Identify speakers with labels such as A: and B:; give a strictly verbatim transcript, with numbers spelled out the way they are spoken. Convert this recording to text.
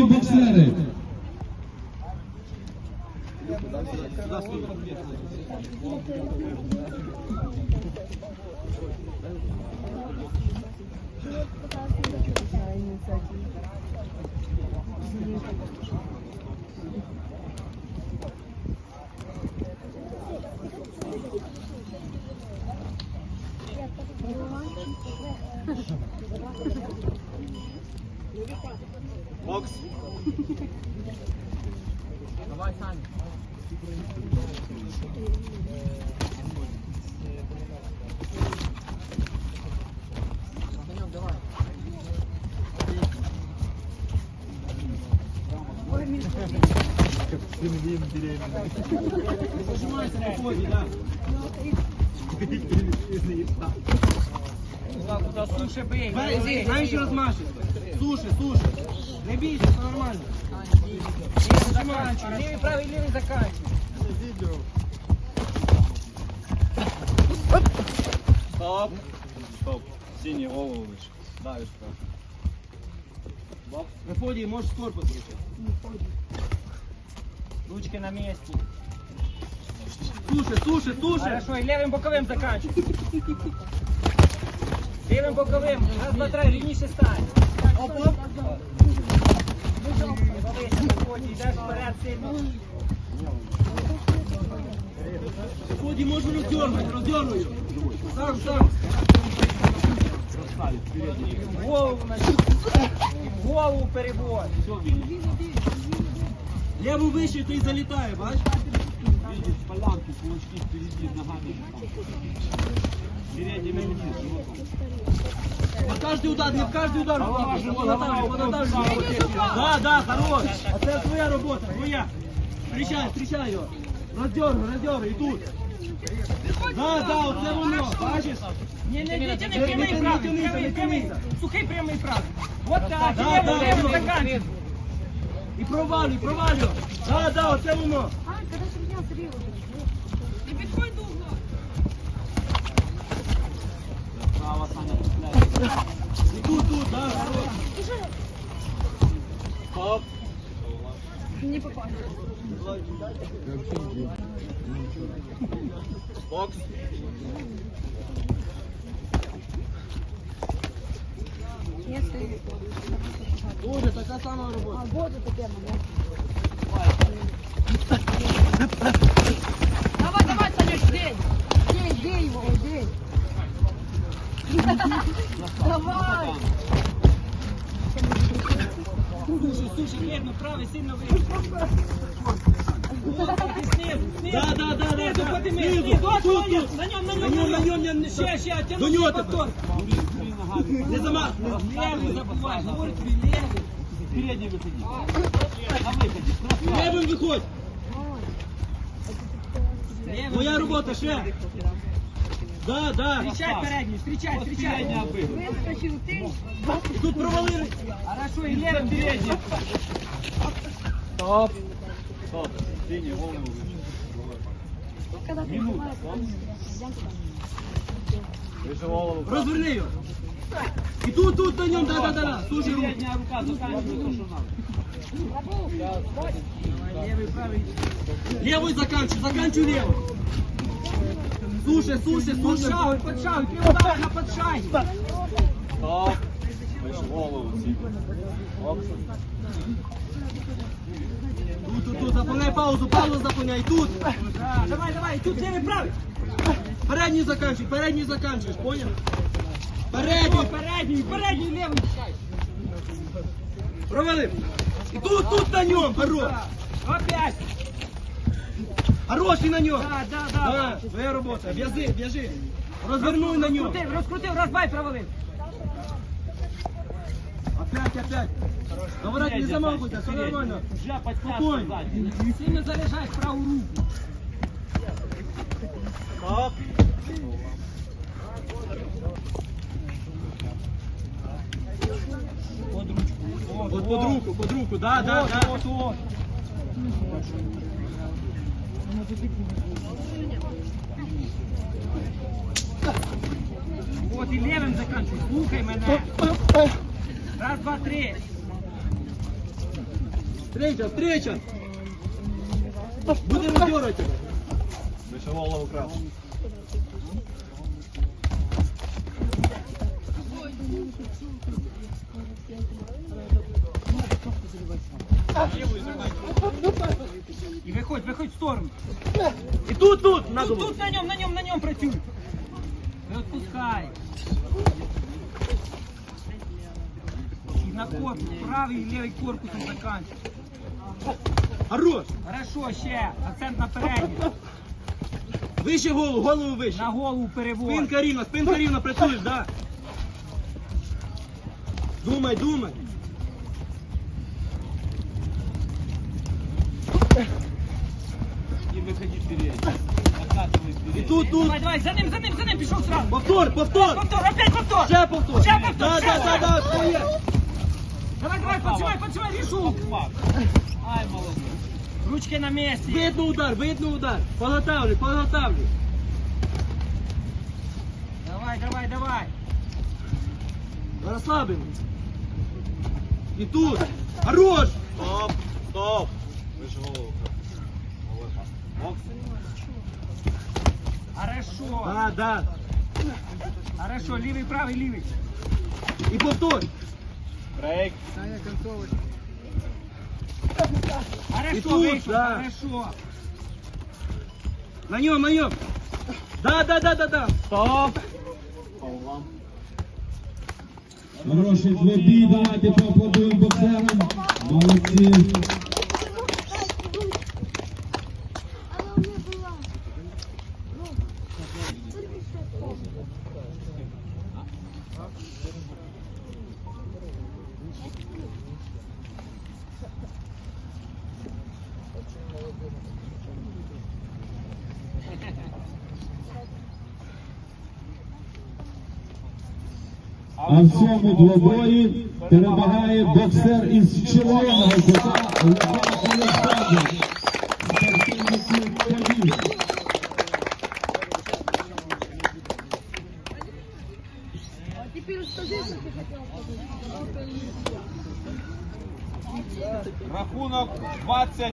A: боксери.
B: Бокс.
C: Давай, Саня. Санек, давай.
B: Зажимайся на ходе, да.
C: Куда суши бей.
B: Меньше размашись. Суши, суши. Не бейся, все нормально.
C: Левый заканчивай. Левый, правый, левый заканчивай.
B: Стоп. Стоп. Синий голову выше. Давишь просто. Бокс. На ходе можешь корпус решить.
C: Ручки на месте.
B: Слушай, слушай, слушай.
C: Хорошо, и левым боковым заканчивай. Левым боковым. Раз, два, три, рівніше стань.
B: Оп, оп.
C: Дивися, на ході, йдеш вперед сильно.
B: На ходе можно раздернуть, раздернуть. Сам, сам.
C: Голову на голову перевод.
B: Левую выше, ты залетаешь, бачишь?
D: Видишь, полянки, кулачки впереди, ногами. Передними вниз.
B: На каждый удар, не в каждый удар. Да, да, хорош. А это твоя работа, твоя. Встречай, встречай ее. Раздергай, раздергай, и тут. Да, да, вот это воно, бачиш?
C: Не, не, не, тяни прямий правий, прямий, прямий. Сухий прямий правий. Вот так,
B: Да,
C: левий,
B: да,
C: левий
B: да.
C: заканчивай.
B: І провалюй, провалюй. Да, да, оце воно.
E: А, когда же меня зрело?
C: Не підходь до угла.
D: Право, Саня, цепляй.
B: І тут, тут, да, хорош.
D: Стоп.
E: Не попал.
B: Бокс.
E: Я стою.
B: Тоже така сама робота.
E: А вот это тема, да? Давай, давай, Санек, бей! Бей, бей его, бей! Давай!
C: Слушай, слушай, верно, правый сильно вийшов. Снизу, снизу.
B: Да, да, да, да,
C: Снизу
B: да.
C: подними,
B: Снизу,
C: снизу,
B: тут,
C: снизу.
B: тут.
C: На нем, на
B: На
C: нем,
B: нем, на нем, на нем.
C: Ще, ще,
B: До
C: тяну
B: нього
C: повтор.
B: Не замах.
C: Левый забывай, говорит, левый.
D: Передний выходи. На выходе. Красава.
B: Левим виходь.
C: Левый.
B: Твоя робота, ще. Да, да.
C: Встречай передний, встречай, встречай.
D: Передний обыгрывай.
E: Выскочил ты!
B: І тут провалили.
C: Хорошо, и левым передний.
D: Стоп. Стоп. Синий голову выше.
E: Когда ты
D: Минута,
E: снимаешь,
D: стоп.
E: я
D: Выше голову.
B: Розверни його. І тут, тут на ньому, да, да, да, да. Слушай руку.
D: Передняя рука заканчивает то, что надо.
C: Левый, правый.
B: Левую заканчивай, заканчивай левую. Слушай, слушай, слушай.
C: Подшаг, подшаг, три удара на подшаге.
D: Стоп. Выше голову. Оп.
B: Тут, тут, тут, заполняй паузу, паузу заполняй. Тут.
C: Да, давай, давай, тут левый, правый.
B: Передний заканчивай, передний заканчиваешь, понял?
C: Передний,
B: Передний.
C: передний, передний, левый.
B: Провалив. І тут, тут на ньому, хорош.
C: Опять.
B: Хороший на ньому.
C: Да, да, да.
B: Да, твоя робота. В'язи, в'яжи. Розвернуй на ньому.
C: Розкрутив, розкрутив, розбай, провалив.
B: Опять, опять. Говорят, не замахивайся, все нормально.
D: Уже подтяжка
B: Спокойно.
D: сзади.
C: Сильно заряджай в праву руку.
D: Стоп.
C: Под ручку.
B: Вот под руку, под руку, да, да,
C: Вот,
B: да.
C: вот, вот. Вот і левим заканчуй, слухай мене. Раз, два, три.
B: Встреча, встреча! Будем дергать тебя.
D: Вище голову крав.
C: І виходь, виходь в сторону.
B: И тут, тут, на
C: Тут,
B: голову.
C: тут на ньому, на ньому, на ньому працюй. Не відпускай. І на корпус, правий і лівий корпусом заканчивай.
B: Хорош!
C: Хорошо, ще. Акцент на передній.
B: Вище голову, голову вище.
C: На голову перевод.
B: Спинка рівна, спинка рівна, працюєш, да. Думай, думай.
D: И выходи вперед. Откатывай
B: І
D: вперед.
B: тут, тут.
C: Давай, давай, за ним, за ним, за ним, пішов сразу.
B: Повтор, повтор.
C: Повтор, опять повтор.
B: Ще повтор.
C: Ще повтор,
B: Да,
C: ще
B: да, да, да, своє.
C: Давай, давай, подсевай, подсевай, решу.
D: Пак. Ай, молодец.
C: Ручки на месте.
B: Видно удар, видно удар. Подготавлю, подготавлю.
C: Давай, давай, давай.
B: Розслаблено. І тут. Хорош.
D: Стоп, стоп. Вище голову крав. Бокс.
C: Хорошо.
B: Да, да.
C: Хорошо, лівий, правий, лівий.
B: І повтор.
D: Брейк.
C: Хорошо,
B: І тут,
C: вийшов,
B: да.
C: хорошо.
B: На ньому, на ньому. Да, да, да, да, да.
D: Стоп. Павлам.
A: Хороший двобій, давайте поаплодуємо боксерам. Молодці.
E: Она у меня была.
A: А в цьому двобої перемагає боксер із червоного кута Лука Олександр. Спортивний клуб «Каліс».
E: А теперь скажи, что ты хотел сказать.
D: Рахунок двадцять.